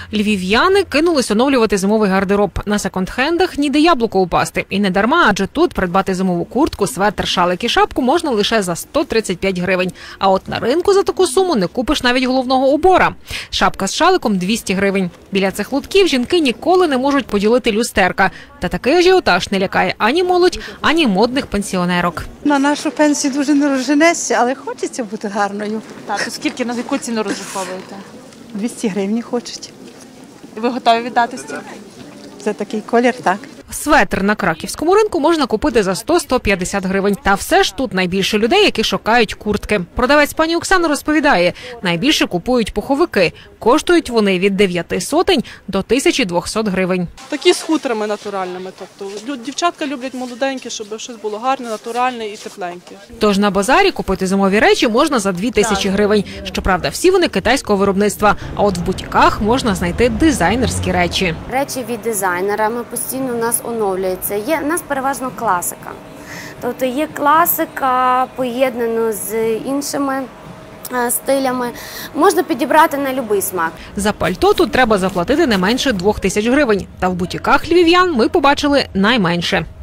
Львів'яни кинулись оновлювати зимовий гардероб. На секонд-хендах ніде яблуко упасти. І не дарма, адже тут придбати зимову куртку, светр, шалик і шапку можна лише за 135 гривень. А от на ринку за таку суму не купиш навіть головного убора. Шапка з шаликом – 200 гривень. Біля цих лотків жінки ніколи не можуть поділити люстерка. Та такий ажіотаж не лякає ані молодь, ані модних пенсіонерок. На нашу пенсію дуже не розженешся, але хочеться бути гарною. Так, то скільки, на яку ціну розраховуєте? 200 гривень хочуть. І ви готові віддати стільки? За такий колір, так. Светр на краківському ринку можна купити за 100-150 гривень. Та все ж тут найбільше людей, які шукають куртки. Продавець пані Оксана розповідає, найбільше купують пуховики. Коштують вони від 900 до 1200 гривень. Такі з хутрами натуральними. Тобто дівчатка люблять молоденькі, щоб щось було гарне, натуральне і тепленьке. Тож на базарі купити зимові речі можна за 2000 гривень. Щоправда, всі вони китайського виробництва. А от в бутіках можна знайти дизайнерські речі. Речі від дизайнера ми постійно у нас оновлюються. Є у нас переважно класика. Тобто є класика поєднана з іншими стилями. Можна підібрати на будь-який смак. За пальто тут треба заплатити не менше 2000 гривень. Та в бутіках львів'ян ми побачили найменше.